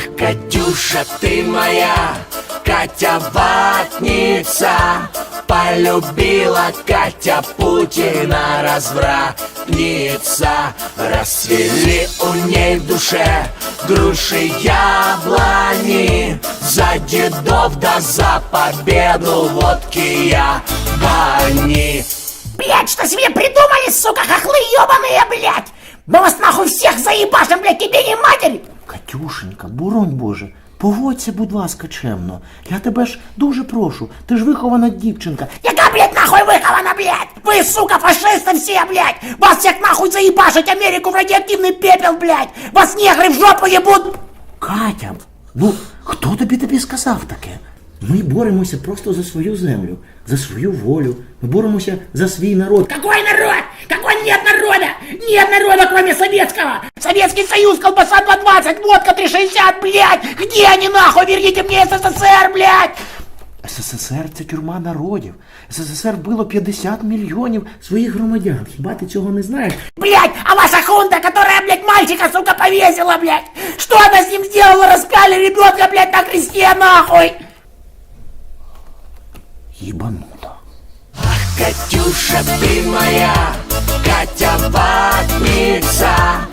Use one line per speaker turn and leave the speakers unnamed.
Катюша, ты моя, Катя ватница. Полюбила Катя Путина, развратница. Расцвели у ней в душе груши, яблони. За дедов да за победу водки я бани.
Блять, что себе придумали, сука, хохлы ебаные, блять! Мы вас нахуй всех заебашим, блять, тебе не матери!
Катюшенька, боронь Боже, поводься, будь ласка, чемно. Я тебе ж дуже прошу, ти ж вихована дівчинка.
Яка, блять, нахуй выхована, блять? Вы, сука, фашисты все, блять! Вас всех нахуй заебашить Америку в радиоактивный пепел, блять! Вас негры в жопу ебут!
Катя, ну хто тобі сказав таке? Ми боремося просто за свою землю, за свою волю. Ми боремося за свій народ.
Какой народ? Какой нет народа? Нет народа, кроме советского! Советский Союз, колбаса 2.20, водка 3.60, блять! Где они, нахуй? Верните мне СССР, блять!
СССР – це тюрма народів. СССР вбило 50 мільйонів своїх громадян. Хіба ти цього не знаєш?
Блять, а ваша хунта, которая, блять, мальчика, сука, повесила, блять! Что она с ним сделала? Распяли ребенка, блять, на кресте, нахуй!
Ебанута.
Катюша, ты моя, Катя ватница.